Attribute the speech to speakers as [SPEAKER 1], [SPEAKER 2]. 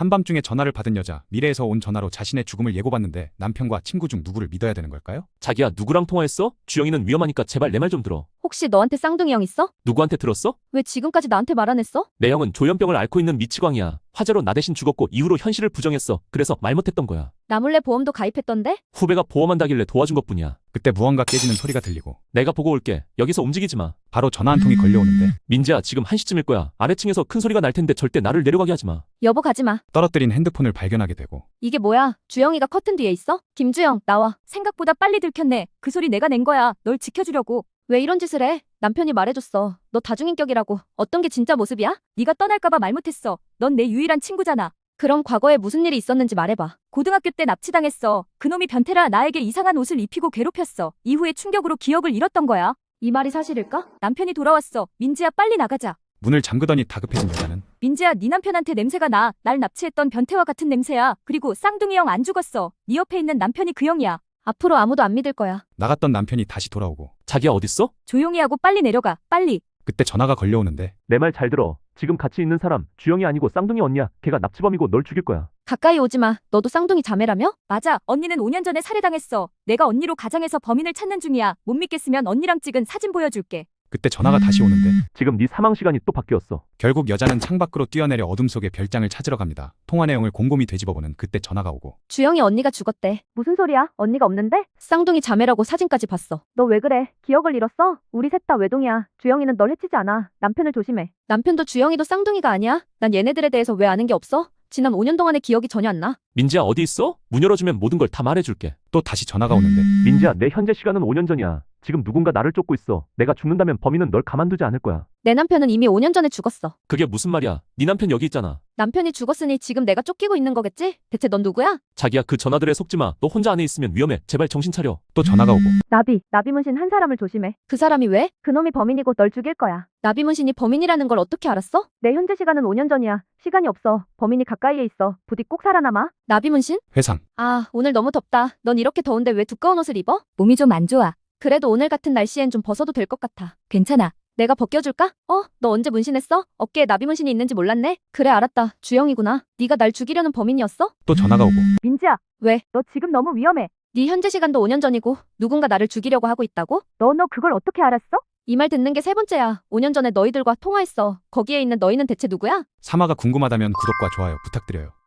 [SPEAKER 1] 한밤중에 전화를 받은 여자, 미래에서 온 전화로 자신의 죽음을 예고받는데 남편과 친구 중 누구를 믿어야 되는 걸까요?
[SPEAKER 2] 자기야, 누구랑 통화했어? 주영이는 위험하니까 제발 내 말 좀 들어.
[SPEAKER 3] 혹시 너한테 쌍둥이 형 있어?
[SPEAKER 2] 누구한테 들었어?
[SPEAKER 3] 왜 지금까지 나한테 말 안 했어?
[SPEAKER 2] 내 형은 조현병을 앓고 있는 미치광이야. 화재로 나 대신 죽었고 이후로 현실을 부정했어. 그래서 말 못했던 거야.
[SPEAKER 3] 나 몰래 보험도 가입했던데?
[SPEAKER 2] 후배가 보험한다길래 도와준 것뿐이야.
[SPEAKER 1] 그때 무언가 깨지는 소리가 들리고
[SPEAKER 2] 내가 보고 올게. 여기서 움직이지 마.
[SPEAKER 1] 바로 전화 한 통이 걸려오는데
[SPEAKER 2] 민지야, 지금 1시쯤일 거야. 아래층에서 큰 소리가 날 텐데 절대 나를 내려가게 하지 마.
[SPEAKER 3] 여보 가지마.
[SPEAKER 1] 떨어뜨린 핸드폰을 발견하게 되고
[SPEAKER 3] 이게 뭐야? 주영이가 커튼 뒤에 있어? 김주영 나와. 생각보다 빨리 들켰네. 그 소리 내가 낸 거야. 널 지켜주려고. 왜 이런 짓을 해? 남편이 말해줬어. 너 다중인격이라고. 어떤 게 진짜 모습이야? 네가 떠날까봐 말 못했어. 넌 내 유일한 친구잖아. 그럼 과거에 무슨 일이 있었는지 말해봐. 고등학교 때 납치당했어. 그놈이 변태라 나에게 이상한 옷을 입히고 괴롭혔어. 이후에 충격으로 기억을 잃었던 거야. 이 말이 사실일까? 남편이 돌아왔어. 민지야 빨리 나가자.
[SPEAKER 1] 문을 잠그더니 다급해진 여자는
[SPEAKER 3] 민지야 네 남편한테 냄새가 나. 날 납치했던 변태와 같은 냄새야. 그리고 쌍둥이 형 안 죽었어. 네 옆에 있는 남편이 그 형이야. 앞으로 아무도 안 믿을 거야.
[SPEAKER 1] 나갔던 남편이 다시 돌아오고
[SPEAKER 2] 자기야, 어딨어?
[SPEAKER 3] 조용히 하고 빨리 내려가. 빨리.
[SPEAKER 1] 그때 전화가 걸려오는데
[SPEAKER 2] 내 말 잘 들어. 지금 같이 있는 사람 주영이 아니고 쌍둥이 언니야. 걔가 납치범이고 널 죽일 거야.
[SPEAKER 3] 가까이 오지 마. 너도 쌍둥이 자매라며? 맞아. 언니는 5년 전에 살해당했어. 내가 언니로 가장해서 범인을 찾는 중이야. 못 믿겠으면 언니랑 찍은 사진 보여줄게.
[SPEAKER 1] 그때 전화가 다시 오는데
[SPEAKER 2] 지금 네 사망 시간이 또 바뀌었어.
[SPEAKER 1] 결국 여자는 창밖으로 뛰어내려 어둠 속에 별장을 찾으러 갑니다. 통화 내용을 곰곰이 되짚어보는 그때 전화가 오고
[SPEAKER 3] 주영이 언니가 죽었대. 무슨 소리야? 언니가 없는데? 쌍둥이 자매라고 사진까지 봤어. 너 왜 그래? 기억을 잃었어? 우리 셋 다 외동이야. 주영이는 널 해치지 않아. 남편을 조심해. 남편도 주영이도 쌍둥이가 아니야? 난 얘네들에 대해서 왜 아는 게 없어? 지난 5년 동안의 기억이 전혀 안 나.
[SPEAKER 2] 민지야, 어디 있어? 문 열어주면 모든 걸 다 말해줄게.
[SPEAKER 1] 또 다시 전화가 오는데
[SPEAKER 2] 민지야, 내 현재 시간은 5년 전이야. 지금 누군가 나를 쫓고 있어. 내가 죽는다면 범인은 널 가만두지 않을 거야.
[SPEAKER 3] 내 남편은 이미 5년 전에 죽었어.
[SPEAKER 2] 그게 무슨 말이야? 네 남편 여기 있잖아.
[SPEAKER 3] 남편이 죽었으니 지금 내가 쫓기고 있는 거겠지? 대체 넌 누구야?
[SPEAKER 2] 자기야, 그 전화들에 속지 마. 너 혼자 안에 있으면 위험해. 제발 정신 차려.
[SPEAKER 1] 또 전화가 오고
[SPEAKER 3] 나비문신 한 사람을 조심해. 그 사람이 왜? 그놈이 범인이고 널 죽일 거야. 나비문신이 범인이라는 걸 어떻게 알았어? 내 현재 시간은 5년 전이야. 시간이 없어. 범인이 가까이에 있어. 부디 꼭 살아남아. 나비문신?
[SPEAKER 1] 회상
[SPEAKER 3] 아, 오늘 너무 덥다. 넌 이렇게 더운데 왜 두꺼운 옷을 입어? 몸이 좀 안 좋아. 그래도 오늘 같은 날씨엔 좀 벗어도 될 것 같아. 괜찮아. 내가 벗겨줄까? 너 언제 문신했어? 어깨에 나비문신이 있는지 몰랐네? 그래 알았다. 주영이구나. 네가 날 죽이려는 범인이었어?
[SPEAKER 1] 또 전화가 오고
[SPEAKER 3] 민지야. 왜? 너 지금 너무 위험해. 네 현재 시간도 5년 전이고 누군가 나를 죽이려고 하고 있다고? 너 그걸 어떻게 알았어? 이 말 듣는 게 세 번째야. 5년 전에 너희들과 통화했어. 거기에 있는 너희는 대체 누구야?
[SPEAKER 1] 사마가 궁금하다면 구독과 좋아요 부탁드려요.